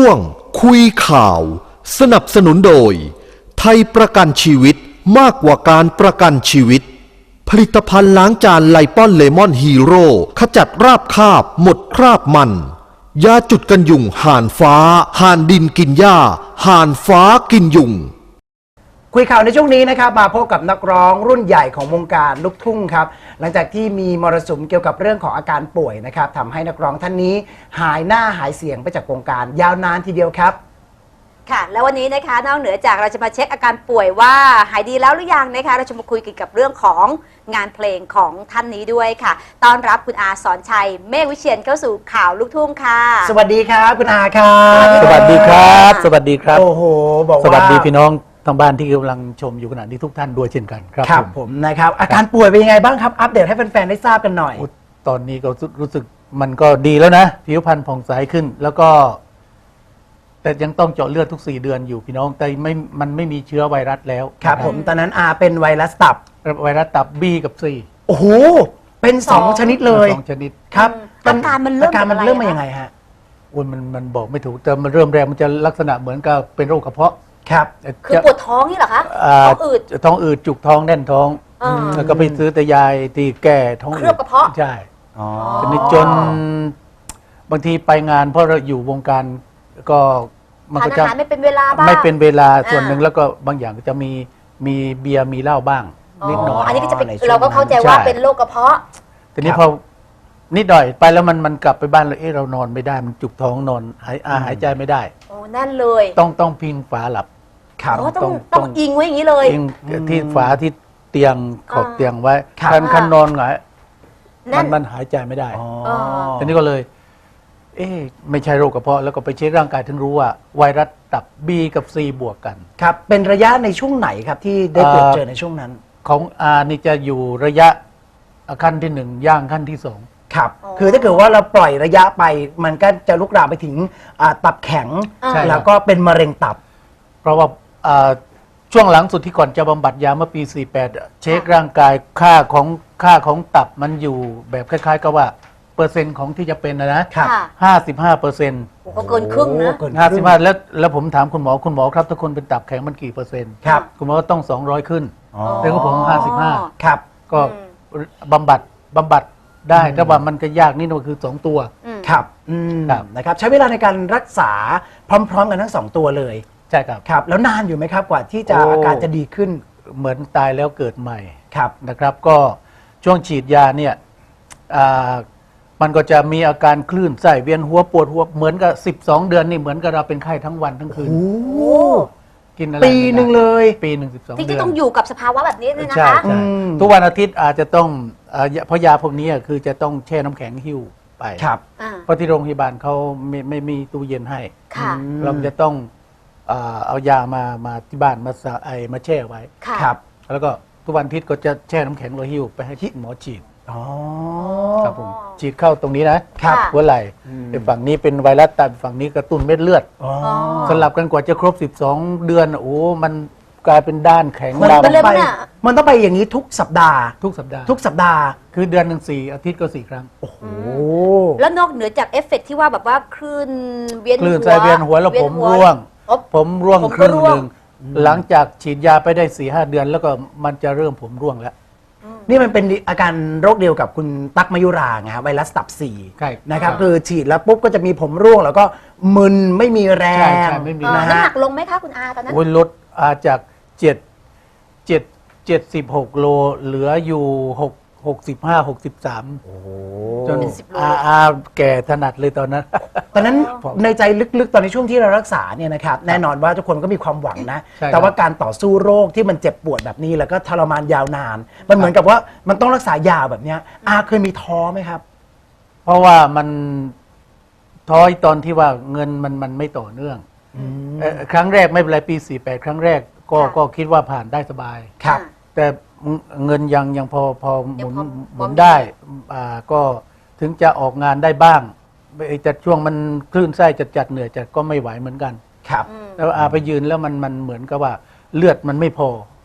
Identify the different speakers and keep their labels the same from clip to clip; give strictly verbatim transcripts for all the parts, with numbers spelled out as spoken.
Speaker 1: ช่วงคุยข่าวสนับสนุนโดยไทยประกันชีวิตมากกว่าการประกันชีวิตผลิตภัณฑ์ล้างจานไลปอนเลมอนฮีโร่ขจัดราบคาบหมดคราบมันยาจุดกันยุงห่านฟ้าห่านดินกินหญ้าห่านฟ้ากินยุง
Speaker 2: คุยข่าวในช่วงนี้นะครับมาพบกับนักร้องรุ่นใหญ่ของวงการลูกทุ่งครับหลังจากที่มีมรสุมเกี่ยวกับเรื่องของอาการป่วยนะครับทำให้นักร้องท่านนี้หายหน้าหายเสียงไปจากวงการยาวนานทีเดียวครับ
Speaker 3: ค่ะแล้ววันนี้นะคะนอกเหนือจากเราจะมาเช็คอาการป่วยว่าหายดีแล้วหรือยังนะคะเราจะมาคุยเกี่ยวกับเรื่องของงานเพลงของท่านนี้ด้วยค่ะต้อนรับคุณอาสอนชัยเมฆวิเชียรเข้าสู่ข่าวลูกทุ่งค่ะ
Speaker 2: สวัสดีครับคุณอาครับ
Speaker 4: สวัสดีครับสวัสดีครับ
Speaker 2: โอ้โหบอกว่า
Speaker 4: สวัสดีพี่น้องทางบ้านที่กำลังชมอยู่ขณะนี้ทุกท่านด้วยเช่นกันครับ
Speaker 2: ครับผมนะครับอาการป่วยเป็นยังไงบ้างครับอัปเดตให้แฟนๆได้ทราบกันหน่อย
Speaker 4: ตอนนี้ก็รู้สึกมันก็ดีแล้วนะผิวพรรณผ่องใสขึ้นแล้วก็แต่ยังต้องเจาะเลือดทุกสี่เดือนอยู่พี่น้องแต่ไม่มันไม่มีเชื้อไวรัสแล้ว
Speaker 2: ครับผมตอนนั้นอาเป็นไวรัสตับ
Speaker 4: ไวรัสตับ B กับ C
Speaker 2: โอ้โหเป็นสองชนิดเลย
Speaker 4: สองชนิด
Speaker 2: ครับ
Speaker 3: อาการมันเริ่ม
Speaker 2: อาการมันเริ่มมายังไงฮะ
Speaker 4: โอ้ยมันมันบอกไม่ถูกแต่มันเริ่มแรกมันจะลักษณะเหมือนกับเป็นโรคกระเพาะ
Speaker 2: ครับ
Speaker 3: คือปวดท้องนี่เหรอคะท้องอืด
Speaker 4: ท้องอืดจุกท้องแน่นท้องแล้วก็ไปซื้อแต่ยายที่แก้ท้องอืด
Speaker 3: เคลือบกระเพาะ
Speaker 4: ใช่ทีนี้จนบางทีไปงานเพราะเราอยู่วงการก็
Speaker 3: มันก็จะไม่เป็นเวลาบ้าง
Speaker 4: ไม่เป็นเวลาส่วนหนึ่งแล้วก็บางอย่างก็จะมีมีเบียร์มีเหล้าบ้างนิดหน่อย
Speaker 3: อันนี้ก็จะเป็นเราก็เข้าใจว่าเป็นโรคกระเพาะ
Speaker 4: ทีนี้พอนิดหน่อยไปแล้วมันมันกลับไปบ้านเลยเอ๊ะเรานอนไม่ได้มันจุกท้องนอนหายอาหายใจไม่ได้
Speaker 3: โอ้แน่นเลย
Speaker 4: ต้องต้องพิงฝาหลับ
Speaker 3: ครับต้องต้องอิงไว้อย่างนี้เลย
Speaker 4: อิงที่ฝาที่เตียงขอบเตียงไว้คันคันนอนหงายมันมันหายใจไม่ได้ทีนี้ก็เลยเอ๊ะไม่ใช่โรคกระเพาะแล้วก็ไปเช็คร่างกายถึงรู้ว่าไวรัสตับ B กับ C บวกกัน
Speaker 2: ครับเป็นระยะในช่วงไหนครับที่ได้ตรวจเจอในช่วงนั้น
Speaker 4: ของอานี่จะอยู่ระยะขั้นที่หนึ่งย่างขั้นที่สอง
Speaker 2: ครับคือถ้าเกิดว่าเราปล่อยระยะไปมันก็จะลุกลามไปถึงตับแข็งแล้วก็เป็นมะเร็งตับ
Speaker 4: เพราะว่าช่วงหลังสุดที่ก่อนจะบำบัดยาเมื่อปีสี่สิบแปดเช็คร่างกายค่าของค่าของตับมันอยู่แบบคล้ายๆกับว่าเปอร์เซ็นต์ของที่จะเป็นนะนะห้าสิบห้าเปอร์เซ็นต์
Speaker 3: ก็เกินครึ่งนะ
Speaker 4: ห้าสิบห้าแล้วแล้วผมถามคุณหมอคุณหมอครับถ้าคนเป็นตับแข็งมันกี่เปอร์เซ็นต์
Speaker 2: ครับ
Speaker 4: คุณหมอต้องสองร้อยขึ้นแต่ก็ผมห้าสิบห้า
Speaker 2: ครับ
Speaker 4: ก็บำบัดบำบัดได้แต่ว่ามันก็ยากนี่ก็คือสองตัว
Speaker 2: ครับนะครับใช้เวลาในการรักษาพร้อมๆกันทั้งสองตัวเลย
Speaker 4: ใช่ครับ
Speaker 2: ครับแล้วนานอยู่ไหมครับกว่าที่จะอาการจะดีขึ้น
Speaker 4: เหมือนตายแล้วเกิดใหม่
Speaker 2: ครับ
Speaker 4: นะครับก็ช่วงฉีดยาเนี่ยมันก็จะมีอาการคลื่นไส้เวียนหัวปวดหัวเหมือนกับสิบสองเดือนนี่เหมือนกับเราเป็นไข้ทั้งวันทั้งคืนกินอะไร
Speaker 2: ปีหนึ่งเลย
Speaker 4: ปีหนึ่งสิบสองเดือน
Speaker 3: ที่ต้องอยู่กับสภาวะแบบนี้เลยนะคะ
Speaker 4: ใช่ทุกวันอาทิตย์อาจจะต้องเพราะยาพวกนี้คือจะต้องแช่น้ำแข็งหิ้วไปเพราะที่โรงพยาบาลเขาไม่ไม่มีตู้เย็นให้เราจะต้องเอายามามาที่บ้านมาไอมาแช่ไว้
Speaker 2: ครับ
Speaker 4: แล้วก็ทุกวันอาทิตย์ก็จะแช่น้ำแข็งเราหิ้วไปให้หมอฉีด
Speaker 2: อ๋อ
Speaker 4: ครับผมฉีดเข้าตรงนี้นะครับหัวไหล่แต่ฝั่งนี้เป็นไวรัสตับฝั่งนี้กระตุ้นเม็ดเลือดสลับกันกว่าจะครบสิบสองเดือนโอ้มันกลายเป็นด้านแข็ง
Speaker 2: มันต้องไปมันต้องไปอย่างนี้ทุกสัปดาห์
Speaker 4: ทุกสัปดาห์
Speaker 2: ทุกสัปดาห์
Speaker 4: คือเดือนหนึ่งสี่อาทิตย์ก็สี่ครั้ง
Speaker 2: โอ้โห
Speaker 3: แล้วนอกเหนือจากเอฟเฟกที่ว่าแบบว่าคลื่นเวียนหัว
Speaker 4: คลื่นไส้เวียนหัวแล้วผมร่วงผมร่วงครึ่งหนึ่งหลังจากฉีดยาไปได้สี่ห้าเดือนแล้วก็มันจะเริ่มผมร่วงแล้ว
Speaker 2: นี่มันเป็นอาการโรคเดียวกับคุณตั๊กมยุราไงครับไวรัสตับสี่นะครับคือฉีดแล้วปุ๊บก็จะมีผมร่วงแล้วก็มึนไม่มีแรง
Speaker 3: น้ำหนักลงไหมคะคุณอาตอนนั้น
Speaker 4: ลดอาจากเจ็ดเจ็ดเจ็ดสิบหกโลเหลืออยู่หกหกสิบห้าหกสิบสามจนอาอาแก่ถนัดเลยตอนนั้น
Speaker 2: ตอนนั้นในใจลึกๆตอนในช่วงที่เรารักษาเนี่ยนะครับแน่นอนว่าทุกคนก็มีความหวังนะแต่ว่าการต่อสู้โรคที่มันเจ็บปวดแบบนี้แล้วก็ทรมานยาวนานมันเหมือนกับว่ามันต้องรักษายาวแบบนี้อาเคยมีท้อไหมครับ
Speaker 4: เพราะว่ามันท้อตอนที่ว่าเงินมันมันไม่ต่อเนื่องครั้งแรกไม่เป็นไรปีสี่สิบแปดครั้งแรกก็ก็คิดว่าผ่านได้สบาย
Speaker 2: ครับ
Speaker 4: แต่เงินยังยังพอพอหมุนหมุนได้อ่าก็ถึงจะออกงานได้บ้างแต่ช่วงมันคลื่นไส้จัดจัดเหนื่อยจัดก็ไม่ไหวเหมือนกัน
Speaker 2: ครับ
Speaker 4: แล้วอาไปยืนแล้วมันมันเหมือนกับว่าเลือดมันไม่พอ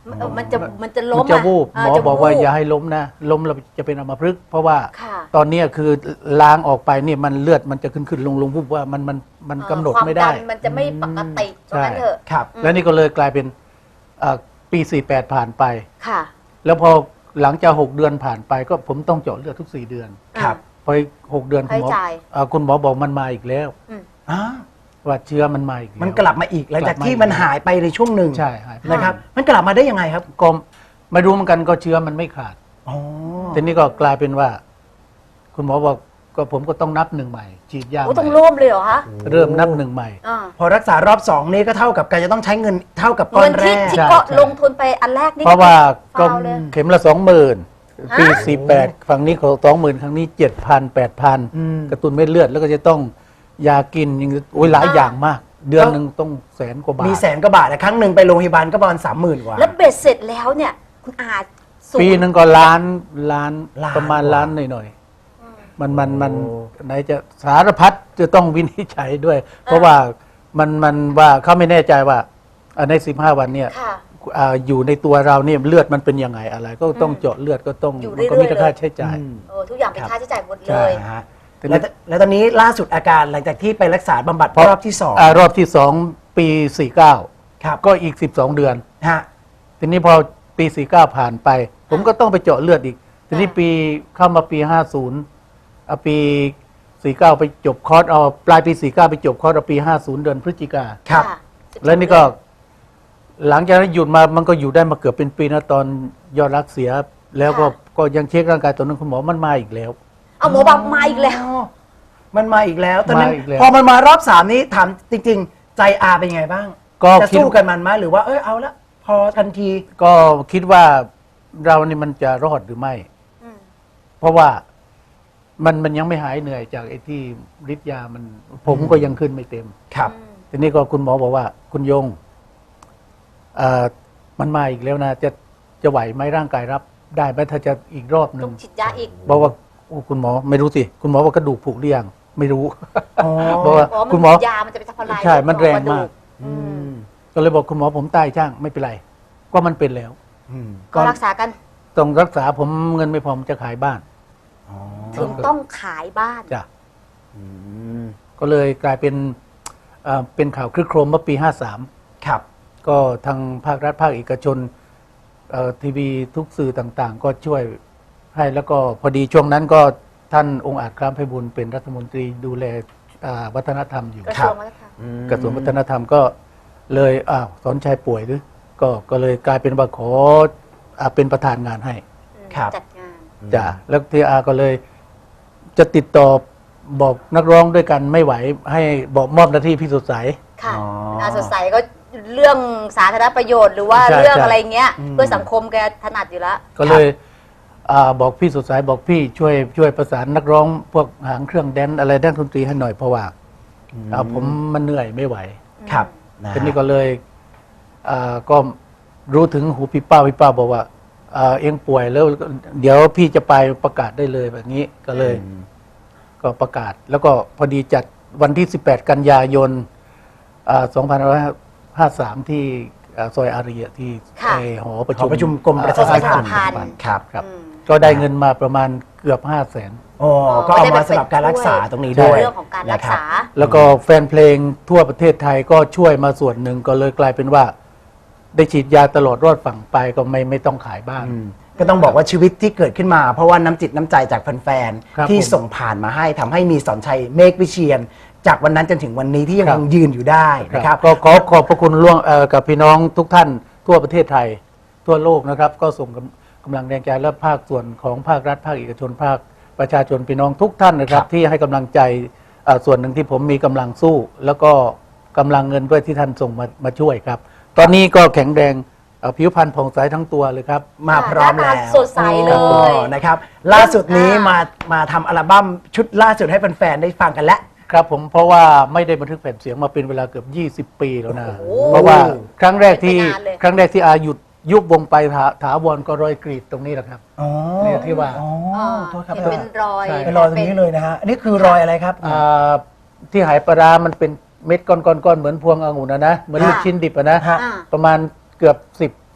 Speaker 3: เออมันจะมันจะล้
Speaker 4: มั
Speaker 3: ม
Speaker 4: นจะวูบ
Speaker 3: ะ
Speaker 4: หมอ
Speaker 3: จะ
Speaker 4: บอกว่า
Speaker 3: วูบ
Speaker 4: อย่าให้ล้มนะล้มเราจะเป็นอัมพฤกษ์เพราะว่า
Speaker 3: ค่ะ
Speaker 4: ตอนเนี้ยคือล้างออกไปเนี่ยมันเลือดมันจะขึ้นขึ้นลงลงวูบว่ามันมันมัน
Speaker 3: เอ่อ
Speaker 4: กำหนด
Speaker 3: ความ
Speaker 4: ไม่ได้
Speaker 3: นมันจะไม่ปกติเพ
Speaker 4: ใช่
Speaker 3: ราะงั้นเถอะ
Speaker 2: ครับ
Speaker 4: แล้วนี่ก็เลยกลายเป็นเอ่อปีสี่แปดผ่านไป
Speaker 3: ค่ะ
Speaker 4: แล้วพอหลังจากหกเดือนผ่านไปก็ผมต้องเจาะเลือดทุกสี่เดือน
Speaker 2: ครับ
Speaker 4: พออีกหกเดือนคุณหมอ
Speaker 3: ให้จ่าย
Speaker 4: เอ่อคุณหมอบอกมันมาอีกแล้ว
Speaker 3: อืม
Speaker 2: อ่า
Speaker 4: ว่าเชื้อมันมาอีกแล้ว
Speaker 2: มันกลับมาอีกหลังจาก
Speaker 4: กลับมา
Speaker 2: ที่มันหายไปในช่วงหนึ่ง
Speaker 4: ใช่หายไป
Speaker 2: นะครับ มันกลับมาได้ยังไงครับ
Speaker 4: ก็ไม่รู้เหมือนกันก็เชื้อมันไม่ขาด
Speaker 2: อ๋อ
Speaker 4: ทีนี้ก็กลายเป็นว่า คุณหมอบอกก็ผมก็ต้องนับหนึ่งใหม่ฉีดยา
Speaker 3: โอ้
Speaker 4: ให
Speaker 3: ต้อง
Speaker 4: ม่
Speaker 3: ร่วมเลยเหรอคะ
Speaker 4: เริ่มนับหนึ่งใหม่
Speaker 3: อ่า
Speaker 2: พอรักษารอบสองนี่ก็เท่ากับการจะต้องใช้เงินเท่ากับก้อ
Speaker 3: เงิ
Speaker 2: น
Speaker 3: น
Speaker 2: แร
Speaker 3: ที่
Speaker 2: ก
Speaker 3: ที่
Speaker 4: ใช่
Speaker 3: ก็
Speaker 4: ใช่
Speaker 3: ลงทุนไปอันแรกนี่
Speaker 4: เพราะว่าก็
Speaker 3: ฟาวเลย
Speaker 4: เข็มละสองหมื่นปี
Speaker 3: ฮะ
Speaker 4: สี่แปดฝั่งนี้เขาสองหมื่นครั้งนี้เจ็ดพันแปดพัน
Speaker 2: อืม
Speaker 4: กระตุ้นเม็ดเลือดแล้วก็จะต้องยากินยังโอ้ยหลายอย่างมาก เดือนหนึ่งต้องแสนกว่าบาท
Speaker 2: มีแสนกว่าบาทแต่ครั้งหนึ่งไปโรงพยาบาลก็ประมาณสามหมื่นกว่า
Speaker 3: แล้วเบ็ดเสร็จแล้วเนี่ยคุณอาสูง
Speaker 4: ปีหนึ่งก็ล้านล้าน
Speaker 2: ล้าน
Speaker 4: ประมาณ
Speaker 2: กว่า
Speaker 4: ล้านหน่อยๆมันมันมันไหนจะสารพัดจะต้องวินิจฉัยด้วย เพราะว่ามันมันว่าเขาไม่แน่ใจว่าอ่าในสิบห้าวันเนี่ย
Speaker 3: ค่ะ
Speaker 4: อ่าอยู่ในตัวเราเนี่ยเลือดมันเป็นยังไงอะไร ก็ต้องเจาะเลือดก็ต้อง
Speaker 3: อยู่
Speaker 4: มันก็
Speaker 3: เรื่
Speaker 4: มี
Speaker 3: อยๆ
Speaker 4: ค่า
Speaker 3: เลย
Speaker 4: ใช้จ่าย
Speaker 2: อืม
Speaker 3: เออทุกอย่างเป็น
Speaker 2: ครับ
Speaker 3: ค่าใช้จ่ายหมดเล
Speaker 2: ใช่
Speaker 3: ย
Speaker 2: ฮะ
Speaker 4: ทีนี้
Speaker 2: แล้วแล้วตอนนี้ล่าสุดอาการหลังจากที่ไปรักษาบำบัดรอบที่สอง
Speaker 4: อ่ารอบที่สองปีสี่เก้า
Speaker 2: ครับ
Speaker 4: ก็อีกสิบสองเดือน
Speaker 2: ฮะ
Speaker 4: ทีนี้พอปีสี่เก้าผ่านไป ผมก็ต้องไปเจาะเลือดอีก ทีนี้
Speaker 3: อ่า
Speaker 4: ปีเข้ามาปีห้าศูนย์เอาปีสี่เก้าไปจบคอร์สเอาปลายปีสี่เก้าไปจบคอร์สเอาปีห้าศูนย์เดือนพฤศจิกา
Speaker 2: ครับ
Speaker 3: ะสิบสอง
Speaker 4: แล้วนี่ก็หลังจากนั้นหยุดมามันก็อยู่ได้มาเกือบเป็นปีนะตอนยอดรักเสีย แล้วก็ก็ยังเช็คร่างกายตอนนั้นคุณหมอมันมาอีกแล้ว
Speaker 3: เอาหมอบังมาอีกแล้ว
Speaker 2: อ๋อมันมาอีกแล้ว ตอนนั้น
Speaker 4: มาอีกแล้ว
Speaker 2: พอมันมารอบสามนี้ถามจริง ๆ ใจอาเป็นไงบ้าง
Speaker 4: ก็
Speaker 2: จะ
Speaker 4: คิด
Speaker 2: สู้กันมันไหมหรือว่าเออเอาละพอทันที
Speaker 4: ก็คิดว่าเรานี่มันจะรอดหรือไม่
Speaker 3: อืม
Speaker 4: เพราะว่ามันมันยังไม่หายเหนื่อยจากไอ้ที่ฤทธิ์ยามัน ผมก็ยังขึ้นไม่เต็ม
Speaker 2: ครับ
Speaker 4: ทีนี้ก็คุณหมอบอกว่า คุณยงเอ่อมันมาอีกแล้วนะ จะจะไหวไหมร่างกายรับ ได้ไหมถ้าจะอีกรอบห
Speaker 3: ต้
Speaker 4: นึ่
Speaker 3: อง งฉีดยาอีก
Speaker 4: บอกว่าโอ้คุณหมอไม่รู้สิคุณหมอว่ากระดูกผุหรือยังไม่รู้
Speaker 2: อ๋อ
Speaker 4: บอกว่า
Speaker 3: อ๋อมัน
Speaker 4: คุณหมอ
Speaker 3: ยามันจะไปทำลาย
Speaker 4: ใช่มันแรงมาก
Speaker 3: อืม
Speaker 4: ก็เลยบอกคุณหมอผมตายช่างไม่เป็นไร ก็มันเป็นแล้ว
Speaker 2: อืม
Speaker 3: ก็รักษากัน
Speaker 4: ต้องรักษาผมเงินไม่พอผมจะขายบ้าน
Speaker 2: อ๋อ
Speaker 3: ถึงต้องขายบ้าน
Speaker 4: จ้ะ
Speaker 2: อืม
Speaker 4: ก็เลยกลายเป็นเอ่อเป็นข่าวคลึกโครมเมื่อปีห้าสาม
Speaker 2: ครับ
Speaker 4: ก็ทางภาครัฐภาคเอกชนเอ่อทีวีทุกสื่อต่างๆ ก็ช่วยให้แล้วก็พอดีช่วงนั้นก็ท่านองค์อาจคล้ามไพบูลย์เป็นรัฐมนตรีดูแลอ่าวัฒนธรรมอยู่
Speaker 3: กระทรวงวัฒนธรรม
Speaker 4: กระทรวงวัฒนธรรมก็เลยอ้าวสอนชัยป่วยหรือก็ก็เลยกลายเป็นว่าขออ่าเป็นประธานงานให้
Speaker 2: ครับ
Speaker 3: จัดงาน
Speaker 4: จ้ะแล้วทีอาก็เลยจะติดต่อบอกนักร้องด้วยกันไม่ไหว ให้บอกมอบหน้าที่พี่สดใส
Speaker 3: ค่ะ
Speaker 2: อ๋อ
Speaker 3: อาสดใสก็เรื่องสาธารณประโยชน์หรือว่า
Speaker 4: ใช่
Speaker 3: เรื่อง
Speaker 4: ใช่
Speaker 3: อะไรเงี้ย
Speaker 2: อืม
Speaker 3: เพื่อสังคมแกถนัดอยู่แล้ว
Speaker 4: ก็เลยอาบอกพี่สดใสบอกพี่ช่วยช่วยประสานนักร้องพวกหางเครื่องแดนซ์อะไรด้านดนตรีให้หน่อยเพราะว่าอ่าผมมันเหนื่อยไม่ไหว
Speaker 2: ครับะฮะ
Speaker 4: ทีนี้ก็เลยอ่าก็รู้ถึงหูพี่เป้าพี่เป้าบอกว่าอ่าเองป่วยแล้วเดี๋ยวพี่จะไปประกาศได้เลยแบบนี้ก็เลย
Speaker 2: อืม
Speaker 4: ก็ประกาศ แล้วก็พอดีจัดวันที่สิบแปดกันยายนอ่าสองพันห้าร้อยห้าสิบสามที่อ่าซอยอารีย์ที่
Speaker 3: ค่ะ
Speaker 4: ไอ้หอประ
Speaker 2: ห
Speaker 4: ชุ
Speaker 2: อ
Speaker 4: ม
Speaker 2: ประชุมกรมประชาสัมพันธ์
Speaker 3: พันธ์
Speaker 2: ครับ
Speaker 4: ครับ
Speaker 3: อืม
Speaker 4: ก็ได้เงินมาประมาณเกือบห้าแสน
Speaker 2: โอ้ก็เอามาสำหรับการรักษาตรงนี้ด้วย
Speaker 3: เรื่องของการรักษา
Speaker 2: นะคบ
Speaker 4: แล้วก็แฟนเพลงทั่วประเทศไทยก็ช่วยมาส่วนหนึ่งก็เลยกลายเป็นว่า ได้ฉีดยาตลอดรอดฝั่งไปก็ไม่ไม่ต้องขายบ้าน
Speaker 2: อืมก็ต้องบอกว่าชีวิตที่เกิดขึ้นมา เพราะว่าน้ำจิตน้ำใจจากแฟน
Speaker 4: ครับ
Speaker 2: ๆที่
Speaker 4: ผม
Speaker 2: ส่งผ่านมาให้ทำให้มีสอนชัยเมฆวิเชียน จากวันนั้นจนถึงวันนี้ที่ยัง
Speaker 4: ครับ
Speaker 2: คงยืนอยู่ได้นะครับ
Speaker 4: ก็ขอขอบพระคุณล่วงเอ่อกับพี่น้องทุกท่านทั่วประเทศไทย ทั่วโลกนะครับ ก็ส่งกำกำลังแรงใจและภาคส่วนของภาครัฐภาคเอกชนภาคประชาชนพี่น้องทุกท่านนะครับ
Speaker 2: ครับ
Speaker 4: ที่ให้กำลังใจเอ่อส่วนหนึ่งที่ผมมีกำลังสู้ แล้วก็กำลังเงินด้วยที่ท่านส่งมามาช่วยครับ ตอนนี้ก็แข็งแรงเอ่อผิวพรรณผ่องใสทั้งตัวเลยครับ
Speaker 2: มาพร้อม
Speaker 3: หน้า
Speaker 2: แล้ว
Speaker 3: ตาสดใสเลย
Speaker 2: โอ้นะครับ ล่าสุดนี้
Speaker 3: อ่าม
Speaker 2: มามาทำอัลบั้มชุดล่าสุดให้แฟนๆได้ฟังกันแล้ว
Speaker 4: ครับผมเพราะว่าไม่ได้บันทึกแผ่นเสียงมาเป็นเวลาเกือบยี่สิบปีแล้วนะ
Speaker 3: โอ้
Speaker 4: เพราะว่าครั้งแรกที่
Speaker 3: เป็นไปนานเลย
Speaker 4: ครั้งแรกที่อาหยุดยุบวงไปถาถาวรก็รอยกรีดตรงนี้แหละครับ
Speaker 2: อ๋อ
Speaker 4: เนี่ยที่ว่า
Speaker 2: อ๋อ
Speaker 3: อ่า
Speaker 2: โทษครับ
Speaker 3: เห็นเป็นรอย
Speaker 4: ใช่
Speaker 2: เป็นรอยตรงนี้เลยนะฮะอันนี้คือรอยอะไรครับ
Speaker 4: อ่าที่หายปลาร้ามันเป็นเม็ดก้อนๆๆเหมือนพวงองุ่นนะนะเหมือนลูกชิ้นดิบอะนะ
Speaker 2: ฮะ
Speaker 3: อ่า
Speaker 4: ประมาณเกือบสิบสิบ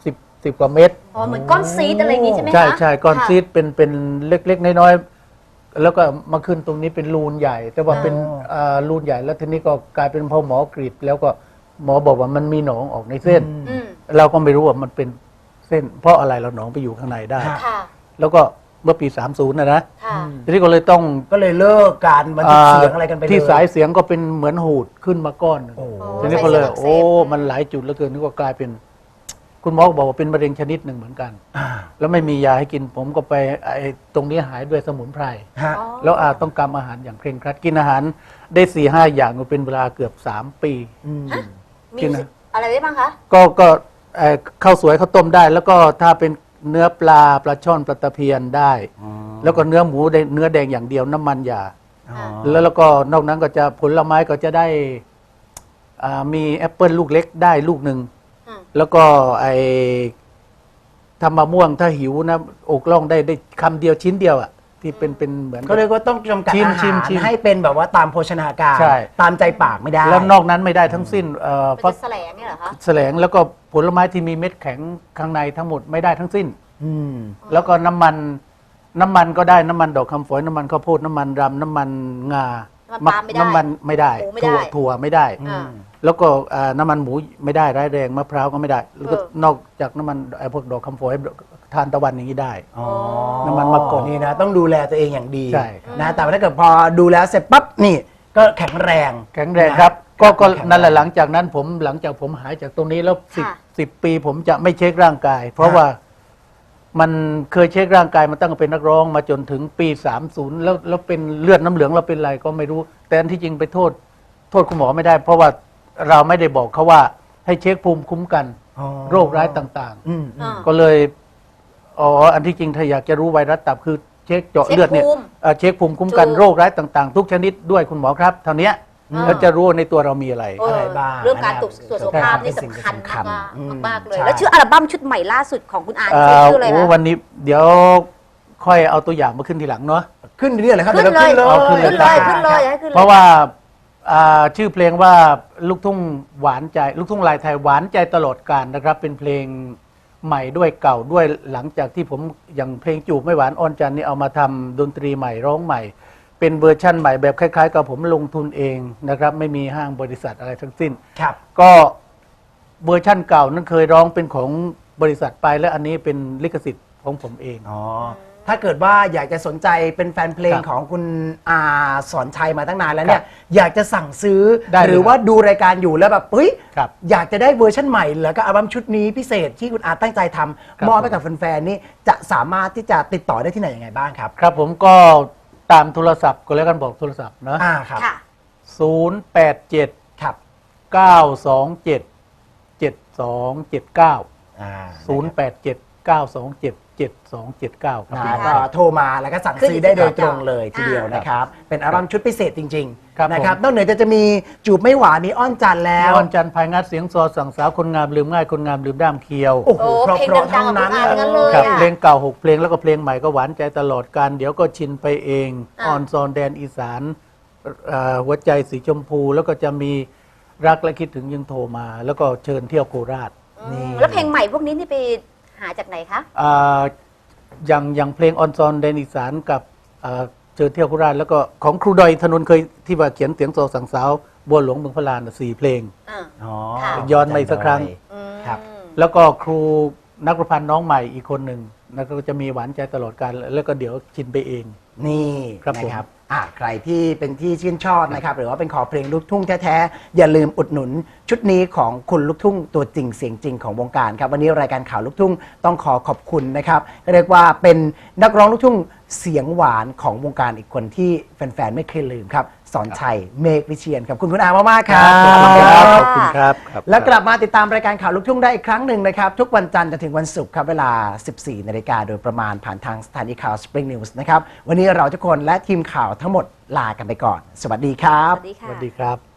Speaker 4: สิบกว่าเม็ด
Speaker 3: อ๋อเหมือนก้อนซีดอะไรอย่างงี้ใช่ไหมคะ
Speaker 4: ใช่ใช่ก้อน
Speaker 3: ค่ะ
Speaker 4: ซีดเป็นเป็นเล็กๆน้อยๆแล้วก็มาขึ้นตรงนี้เป็นรูนใหญ่ แต่ว่าเป็นอ่ารูนใหญ่แล้วทีนี้ก็กลายเป็นพอหมอกรีดแล้วก็หมอบอกว่ามันมีหนองออกในเส้น
Speaker 3: อืม
Speaker 4: เราก็ไม่รู้ว่ามันเป็นเส้น เพราะอะไรเราหนองไปอยู่ข้างในได้
Speaker 3: ค่ะ
Speaker 4: แล้วก็เมื่อปีสามสิบนะนะ
Speaker 3: ค่ะ
Speaker 4: ทีนี้ก็เลยต้อง
Speaker 2: ก็เลยเลิกการบันทึกเสียงอะไรกันไปเลย
Speaker 4: ที่สายเสียงก็เป็นเหมือนหูดขึ้นมาก้อนหนึ่ง
Speaker 2: โอ้
Speaker 4: ทีนี้ก็เลย
Speaker 3: สายเสียงอักเสบ
Speaker 4: โอ้ มันหลายจุดเหลือเกินนี่ก็กลายเป็น คุณหมอก็บอกว่าเป็นมะเร็งชนิดหนึ่งเหมือนกัน
Speaker 2: อ่า
Speaker 4: แล้วไม่มียาให้กินผมก็ไปไอ้ตรงนี้หายด้วยสมุนไพร
Speaker 2: ฮะ
Speaker 3: อ๋อ
Speaker 4: แล้วอาต้องกำอาหารอย่างเคร่งครัดกินอาหารได้สี่ห้าอย่างก็เป็นเวลาเกือบสามปี
Speaker 2: ม
Speaker 3: มี
Speaker 4: กินนะ
Speaker 3: อะไรได้บ้างคะ
Speaker 4: ก็ก็เอ่อข้าวสวยข้าวต้มได้ แล้วก็ถ้าเป็นเนื้อปลาปลาช่อนปลาตะเพียนได้ แล้วก็เนื้อหมูได้เนื้อแดงอย่างเดียวน้ำมันอย่า
Speaker 2: อ๋อ
Speaker 4: แล้วแล้วก็นอกนั้นก็จะผลไม้ก็จะได้อ่ามีแอปเปิลลูกเล็กได้ลูกหนึ่ง
Speaker 3: อืม
Speaker 4: แล้วก็ไอ้ทำมะม่วงถ้าหิวนะอกล่องได้ได้คำเดียวชิ้นเดียวอ่ะที่เป็นเป็นเหมือน
Speaker 2: ก็เรียกว่าต้องจำกัด
Speaker 4: ชิม
Speaker 2: อา
Speaker 4: ชิ
Speaker 2: หาม ร
Speaker 4: ชิม
Speaker 2: ให้เป็นแบบว่าตามโภชนาการ
Speaker 4: ใช่
Speaker 2: ตามใจปากไม่ได้
Speaker 4: แล้วนอกนั้นไม่ได้ทั้งสิ้นเอ่อ
Speaker 3: เป็น
Speaker 4: ฟัก
Speaker 3: แสลงเนี่ยเหรอคะ
Speaker 4: แสลงแล้วก็ผลไม้ที่มีเม็ดแข็งข้างในทั้งหมดไม่ได้ทั้งสิ้น
Speaker 2: อืม
Speaker 4: แล้วก็น้ำมันน้ำมันก็ได้น้ำมันดอกคำฝอยน้ำมันข้าวโพดน้ำมันรำน้ำมันงา
Speaker 3: น้ำมันปาล์มไม่ได้
Speaker 4: น้ำมันไม่ได้
Speaker 3: โอ้ไม่ได้
Speaker 4: ถั่วถั่วไม่ได้
Speaker 3: อ่า
Speaker 4: แล้วก็อ่าน้ำมันหมูไม่ได้ร้ายแรงมะพร้าวก็ไม่ได้ แล้วก็
Speaker 3: เออน
Speaker 4: อกจากน้ำมันไอ้พวกดอกคำฝอยทานตะวันอย่างนี้ได้
Speaker 2: อ๋อ
Speaker 4: น้ำมันมะกอก
Speaker 2: นี่นะต้องดูแลตัวเองอย่างดี
Speaker 4: ใช่ครับ
Speaker 2: นะแต่ว่าถ้าเกิดพอดูแลเสร็จปั๊บนี่ก็แข็งแรง
Speaker 4: แข็งแรงครับ ก็ก็
Speaker 2: แข็งแรง
Speaker 4: นั่นแหละหลังจากนั้นผมหลังจากผมหายจากตรงนี้แล้วสิบ
Speaker 3: ค่ะ
Speaker 4: สิบปีผมจะไม่เช็คร่างกาย เพราะ
Speaker 2: ค่ะ
Speaker 4: ว่ามันเคยเช็คร่างกายมาตั้งแต่เป็นนักร้องมาจนถึงปีสามสิบแล้วแล้วเป็นเลือดน้ำเหลืองเราเป็นอะไรก็ไม่รู้ แต่อันที่จริงไปโทษ โทษคุณหมอไม่ได้ เพราะว่าเราไม่ได้บอกเขาว่าให้เช็คภูมิคุ้มกัน
Speaker 2: อ๋อ
Speaker 4: โรคร้ายต่าง
Speaker 2: อืม
Speaker 3: อ่า
Speaker 4: ๆ ก็เลยอ๋ออันที่จริงถ้าอยากจะรู้ไวรัสตับคือเช็คเจาะเลือดเนี่ย
Speaker 3: เช็คภูมิ
Speaker 4: เอ่อเช็คภูมิคุ้มกัน
Speaker 3: ถูก
Speaker 4: โรคร้ายต่างๆ ทุกชนิดด้วยคุณหมอครับเท่านี้
Speaker 3: อ่า
Speaker 4: แล้วจะรู้ว่าในตัวเรามีอะไร
Speaker 3: เออ
Speaker 2: อะไรบ้าง
Speaker 3: เรื่องการตรวจ
Speaker 2: นะครับ
Speaker 3: ตรวจสุขภาพนี่
Speaker 2: เป็นสิ่ง
Speaker 3: สำคัญ
Speaker 2: สำคัญ
Speaker 3: มาก
Speaker 2: อืม
Speaker 3: ๆมากๆเลย
Speaker 2: ใช่
Speaker 3: แล้วชื่ออัลบั้มชุดใหม่ล่าสุดของคุณอา
Speaker 4: เอ่
Speaker 3: ชื่อ
Speaker 4: อ
Speaker 3: ชื่ออะไร
Speaker 4: โอ้
Speaker 3: คะ
Speaker 4: วันนี้เดี๋ยวค่อยเอาตัวอย่างมาขึ้นทีหลังเนาะ
Speaker 2: ขึ้นเรื่อยๆเลยครับ
Speaker 3: ขึ้น
Speaker 2: ดี๋วรา
Speaker 3: เลย
Speaker 4: เอาขึ้น
Speaker 3: ขึ้นเลยขึ้นเลยให้ขึ้นเลย
Speaker 4: เพราะว่าอ่าชื่อเพลงว่าลูกทุ่งหวานใจ ลูกทุ่งลายไทยหวานใจตลอดกาลนะครับ เป็นเพลงใหม่ด้วยเก่าด้วยหลังจากที่ผมอย่างเพลงจูบไม่หวานอ่อนจันทร์นี่เอามาทำดนตรีใหม่ร้องใหม่ เป็นเวอร์ชั่นใหม่แบบคล้ายๆ กับผมลงทุนเองนะครับ ไม่มีห้างบริษัทอะไรทั้งสิ้น
Speaker 2: ครับ
Speaker 4: ก็เวอร์ชั่นเก่านั้นเคยร้องเป็นของบริษัทไปและอันนี้เป็นลิขสิทธิ์ของผมเอง
Speaker 2: อ๋อถ้าเกิดว่าอยากจะสนใจเป็นแฟนเพลง
Speaker 4: ครับ
Speaker 2: ของคุณอาสอนชัยมาตั้งนานแล้วเนี่ย
Speaker 4: ครับ
Speaker 2: อยากจะสั่งซื้อ
Speaker 4: ได้เลย
Speaker 2: หรือว่าดูรายการอยู่แล้วแบบเฮ้ย
Speaker 4: ครับ
Speaker 2: อยากจะได้เวอร์ชันใหม่แล้วก็อัลบั้มชุดนี้พิเศษที่คุณอาตั้งใจท
Speaker 4: ครับ
Speaker 2: ำมอบให้กับแฟนๆนี่จะสามารถที่จะติดต่อได้ที่ไหนยังไงบ้างครับ
Speaker 4: ครับผมก็ตามโทรศัพท์ก็แล้วกันบอกโทรศัพท์นะ
Speaker 2: อ่าครับ
Speaker 3: ค่ะ
Speaker 4: ศูนย์แปดเจ็ด
Speaker 2: ครับ
Speaker 4: เก้าสองเจ็ดเจ็ดสองเจ็ดเก้า
Speaker 2: อ่า
Speaker 4: ศูนย์แปดเจ็ดเก้าสองเจ็ดเจ็ดสองเจ็ดเก้าครับ
Speaker 2: นะก็โทรมาแล้วก็สั่ง
Speaker 3: ขึ้น
Speaker 2: ซื้อได้โดย
Speaker 3: ที่
Speaker 2: ต
Speaker 3: จอ
Speaker 2: รงเลยทีเดียว
Speaker 3: อ่าน
Speaker 2: นะครับ เป็นอัลบั้มชุดพิเศษจริง
Speaker 4: ครับ
Speaker 2: ๆนะครับ
Speaker 4: ผม
Speaker 2: นอกเหนือจากจะมีจูบไม่หวานนี้อ้อนจันทร์แล้ว
Speaker 4: วันจันทร์ภายงัดเสียงซอสั่งสาวคนงามลืมง่ายคนงามลืมด้ามเคียว
Speaker 2: โอ้โห
Speaker 3: โอ้
Speaker 2: เพราะ
Speaker 3: เพลง
Speaker 2: เพราะ
Speaker 3: ดั
Speaker 2: ทั้
Speaker 3: ง
Speaker 2: ง
Speaker 3: ๆของ
Speaker 2: นั้น
Speaker 3: คุณอาทั้งนั้นเลย
Speaker 4: ครับ
Speaker 3: อะ
Speaker 4: เพลงเก่าหกเพลงแล้วก็เพลงใหม่ก็หวานใจตลอดการเดี๋ยวก็ชินไปเอง
Speaker 3: อ่า
Speaker 4: ออนซอนแดนอีสานเอ่อหัวใจสีชมพู แล้วก็จะมีรักและคิดถึงยังโทรมา แล้วก็เชิญเที่ยวโคราช
Speaker 3: อืมแล้วเพลงใหม่พวกนี้นี่ไปหาจากไหนคะ
Speaker 4: อ่าอย่างอย่างเพลงออนซอนแดนอีสานกับอ่าเชิญเที่ยวโคราชแล้วก็ของครูดอยธนนท์เคยที่ว่าเขียนเสียงโซสั่งสาวบัวหลวงเมืองพระลานน่ะสี่เพลง
Speaker 3: อ่า
Speaker 2: อ๋อ
Speaker 3: ค่ะ
Speaker 4: ย้อนมาอีกสักครั้ง
Speaker 3: อืม
Speaker 2: ครับ
Speaker 4: แล้วก็ครูนักประพันธ์น้องใหม่อีกคนหนึ่งแล้วก็จะมีหวานใจตลอดการแล้วก็เดี๋ยวชินไปเอง
Speaker 2: นี่
Speaker 4: ครับผม
Speaker 2: นะครับอ่ะใครที่เป็นที่ชื่นชอบนะครับ หรือว่าเป็นขอเพลงลูกทุ่งแท้ๆ อย่าลืมอุดหนุนชุดนี้ของคุณลูกทุ่งตัวจริงเสียงจริงของวงการครับ วันนี้รายการข่าวลูกทุ่งต้องขอขอบคุณนะครับเรียกว่าเป็นนักร้องลูกทุ่งเสียงหวานของวงการอีกคนที่แฟนๆไม่เคยลืมครับสอนชัยเมฆวิเชียนครับขอบคุณคุณอามากๆครับ
Speaker 4: ขอบคุณครับ
Speaker 3: ข
Speaker 4: ข
Speaker 3: อ
Speaker 4: อ
Speaker 3: บบ คุ
Speaker 4: คุณ ณ
Speaker 3: ค
Speaker 4: ค
Speaker 3: รั
Speaker 4: รับ บครับ
Speaker 2: แล้วกลับมาติดตามรายการข่าวลูกทุ่งได้อีกครั้งหนึ่งนะครับ ทุกวันจันทร์จนถึงวันศุกร์ครับ เวลา สิบสี่นาฬิกาโดยประมาณผ่านทางสถานีข่าว Spring News นะครับ วันนี้เราทุกคนและทีมข่าวทั้งหมดลากันไปก่อน สวัสดีครับ
Speaker 3: สวัสดี
Speaker 4: ส
Speaker 3: ค่ะ
Speaker 4: วัสดีครับ